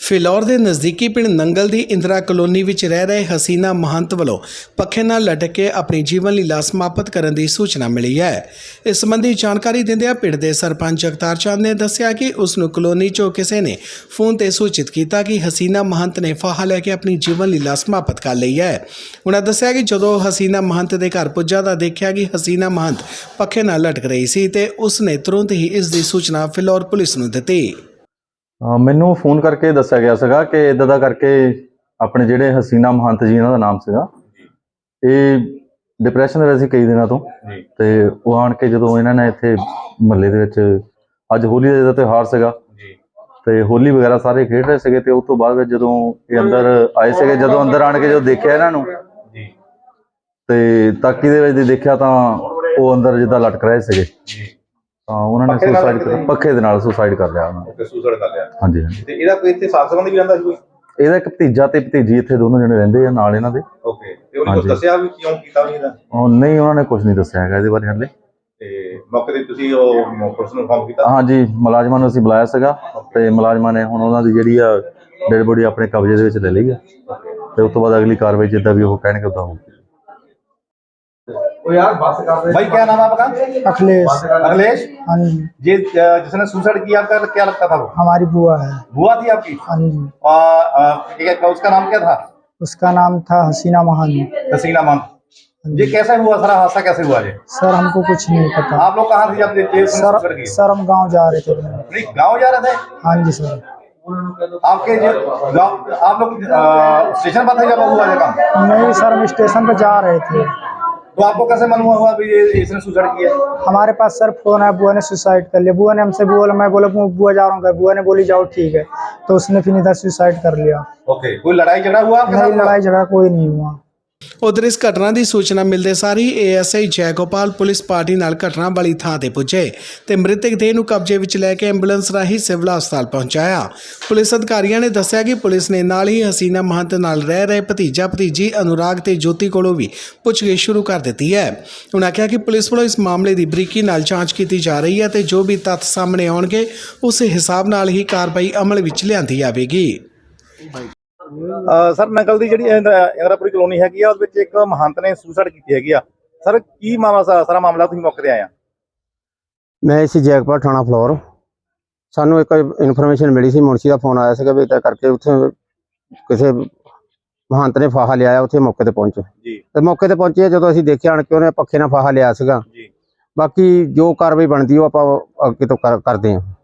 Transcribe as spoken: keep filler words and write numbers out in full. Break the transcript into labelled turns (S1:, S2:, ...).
S1: ਫਿਲੌਰ ਦੇ ਨਜ਼ਦੀਕੀ ਪਿੰਡ ਨੰਗਲ ਦੀ ਇੰਦਰਾ ਕਲੋਨੀ ਵਿੱਚ ਰਹਿ ਰਹੇ ਹਸੀਨਾ ਮਹੰਤ ਵੱਲੋਂ ਪੱਖੇ ਨਾਲ ਲਟਕ ਕੇ ਆਪਣੀ ਜੀਵਨ ਲੀਲਾ ਸਮਾਪਤ ਕਰਨ ਦੀ ਸੂਚਨਾ ਮਿਲੀ ਹੈ। ਇਸ ਸੰਬੰਧੀ ਜਾਣਕਾਰੀ ਦਿੰਦਿਆਂ ਪਿੰਡ ਦੇ ਸਰਪੰਚ ਜਗਤਾਰ ਚੰਦ ਨੇ ਦੱਸਿਆ ਕਿ ਉਸ ਨੂੰ ਕਲੋਨੀ 'ਚੋਂ ਕਿਸੇ ਨੇ ਫੋਨ ਤੇ ਸੂਚਿਤ ਕੀਤਾ ਕਿ ਹਸੀਨਾ ਮਹੰਤ ਨੇ ਫਾਹਾ ਲੈ ਕੇ ਆਪਣੀ ਜੀਵਨ ਲੀਲਾ ਸਮਾਪਤ ਕਰ ਲਈ ਹੈ। ਉਹਨਾਂ ਦੱਸਿਆ ਕਿ ਜਦੋਂ ਹਸੀਨਾ ਮਹੰਤ ਦੇ ਘਰ ਪੁੱਜਾ ਤਾਂ ਦੇਖਿਆ ਕਿ ਹਸੀਨਾ ਮਹੰਤ ਪੱਖੇ ਨਾਲ ਲਟਕ ਰਹੀ ਸੀ ਤੇ ਉਸ ਨੇ ਤੁਰੰਤ ਹੀ ਇਸ ਦੀ ਸੂਚਨਾ ਫਿਲੌਰ ਪੁਲਿਸ ਨੂੰ ਦਿੱਤੀ।
S2: ਮੈਨੂੰ ਫੋਨ ਕਰਕੇ ਦੱਸਿਆ ਗਿਆ ਸੀਗਾ ਕਿ ਇਦਾਂ ਦਾ ਕਰਕੇ ਆਪਣੇ ਜਿਹੜੇ ਹਸੀਨਾ ਮਹੰਤ ਜੀ ਇਹਨਾਂ ਦਾ ਨਾਮ ਸੀਗਾ, ਇਹ ਡਿਪਰੈਸ਼ਨ ਦੇ ਵਿੱਚ ਸੀ ਕਈ ਦਿਨਾਂ ਤੋਂ ਤੇ ਉਹ ਆਣ ਕੇ ਜਦੋਂ ਇਹਨਾਂ ਨੇ ਇੱਥੇ ਮਹੱਲੇ ਦੇ ਵਿੱਚ ਅੱਜ ਹੋਲੀ ਦਾ ਤਿਉਹਾਰ ਸੀਗਾ ਤੇ ਹੋਲੀ ਵਗੈਰਾ ਸਾਰੇ ਖੇਡ ਰਹੇ ਸੀਗੇ ਤੇ ਉਸ ਤੋਂ ਬਾਅਦ ਵਿੱਚ ਜਦੋਂ ਇਹ ਅੰਦਰ ਆਏ ਸੀਗੇ, ਜਦੋਂ ਅੰਦਰ ਆਣ ਕੇ ਜਦੋਂ ਦੇਖਿਆ ਇਹਨਾਂ ਨੂੰ ਤੇ ਤਾਕੀ ਦੇ ਵਿੱਚ ਦੇਖਿਆ ਤਾਂ ਉਹ ਅੰਦਰ ਜਿੱਦਾਂ ਲਟਕ ਰਹੇ ਸੀਗੇ ਤਾਂ ਉਹਨਾਂ ਨੇ ਸੁਸਾਈਡ ਕਰ ਪੱਖੇ ਦੇ ਨਾਲ ਸੁਸਾਈਡ ਕਰ ਲਿਆ ਉਹਨਾਂ ਨੇ। ਸੁਸਾਈਡ ਕਰ ਲਿਆ ਹਾਂਜੀ ਹਾਂਜੀ। ਤੇ ਇਹਦਾ ਕੋਈ ਇੱਥੇ ਸਾਥ ਸੰਬੰਧੀ ਵੀ ਰਹਿੰਦਾ ਸੀ ਕੋਈ? ਇਹਦਾ ਇੱਕ ਭਤੀਜਾ ਤੇ ਭਤੀਜੀ ਇੱਥੇ ਦੋਨੋਂ ਜਣੇ ਰਹਿੰਦੇ ਆ ਨਾਲ ਇਹਨਾਂ ਦੇ। ਓਕੇ, ਤੇ ਉਹਨੇ ਕੁਝ ਦੱਸਿਆ ਵੀ ਕਿਉਂ ਕੀਤਾ ਵੀ ਇਹਦਾ? ਉਹ ਨਹੀਂ, ਉਹਨਾਂ ਨੇ ਕੁਝ ਨਹੀਂ ਦੱਸਿਆ ਹੈਗਾ ਇਹਦੇ ਬਾਰੇ ਹਾਲੇ। ਤੇ ਮੌਕੇ ਤੇ ਤੁਸੀਂ ਉਹ ਪੁਲਿਸ ਨੂੰ ਫੋਨ ਕੀਤਾ? ਹਾਂਜੀ, ਮੁਲਾਜ਼ਮਾਂ ਨੂੰ ਅਸੀਂ ਬੁਲਾਇਆ ਸੀਗਾ ਤੇ ਮੁਲਾਜ਼ਮਾਂ ਨੇ ਹੁਣ ਉਹਨਾਂ ਦੀ ਜਿਹੜੀ ਆ ਡੈਡ ਬੋਡੀ ਆਪਣੇ ਕਬਜ਼ੇ ਦੇ ਵਿੱਚ ਲੈ ਲਈ ਆ ਤੇ ਉਸ ਤੋਂ ਬਾਅਦ ਅਗਲੀ ਕਾਰਵਾਈ ਜਿੱਦਾਂ ਵੀ ਉਹ ਕਹਿਣਗੇ ਉਦਾਂ ਹੋਊਗੀ। यार बात कर रहे भाई, क्या नाम है आपका? अखिलेश। अखिलेश, हाँ जी। ये जिसने सुसाइड किया आपका क्या लगता था वो? हमारी बुआ है। बुआ थी आपकी? हाँ जी। और उसका नाम क्या था? उसका नाम था हसीना महंत। हसीना महंत। ये कैसे हुआ सारा हादसा, कैसे हुआ ये? सर हमको कुछ नहीं पता। आप लोग कहाँ थे जब ये सर? सर हम गाँव जा रहे थे। नहीं, गाँव जा रहे थे? हाँ जी सर। आपके जो आप लोग स्टेशन पर थे जब हुआ ये काम? नहीं सर, हम स्टेशन पर जा रहे थे। तो आपको कैसे मालूम हुआ भी ये इसने सुसाइड किया? हमारे पास सर फोन है, बुआ ने सुसाइड कर लिया। बुआ ने हमसे बोला, मैं बोला बुआ जा रहा हूँ, बुआ ने बोली जाओ ठीक है, तो उसने फिर इधर सुसाइड कर लिया। ओके, कोई लड़ाई झगड़ा हुआ? नहीं, लड़ाई झगड़ा कोई नहीं हुआ।
S1: उधर इस घटना की सूचना मिलते सार ही A S I Jaigopal police party नाल घटना वाली थां ते पुजे ते मृतक देह नूं कब्जे विच लैके एंबूलेंस राही सिविल हस्पताल पहुंचाया। पुलिस अधिकारियों ने दस्सिया कि पुलिस ने नाल ही हसीना महंत नाल रह रहे भतीजा भतीजी अनुराग ते ज्योति कोलों भी पुछगिछ शुरू कर दी है। उन्होंने कहा कि पुलिस वालों इस मामले की बरीकी नाल जांच की जा रही है ते जो भी तत्थ सामने आउणगे उस हिसाब नाल ही कार्रवाई अमल विच लिआंदी जावेगी।
S3: सर नंगल दी जिहड़ी इंद्रापुरी कलोनी हैगी आ, उहदे विच एक महंत ने सुसाइड कीती हैगी आ। सर की मामला सारा मामला तुसीं मौके ते आए आ?
S4: मैं इसी जैकपाल थाना फ्लोर, सानू एक इन्फॉर्मेशन मिली सी, मुंशी का फोन आया सीगा भी इदां करके उत्थे किसी महंत ने फाहा लिया, उत्थे मौके ते पहुंचे ते मौके ते पहुंचे जदों असीं देखिया आण के उहने पक्खे नाल फाहा लिया सीगा। बाकी जो कार्रवाई बनदी वो आपां अगे तो कर करदे हां।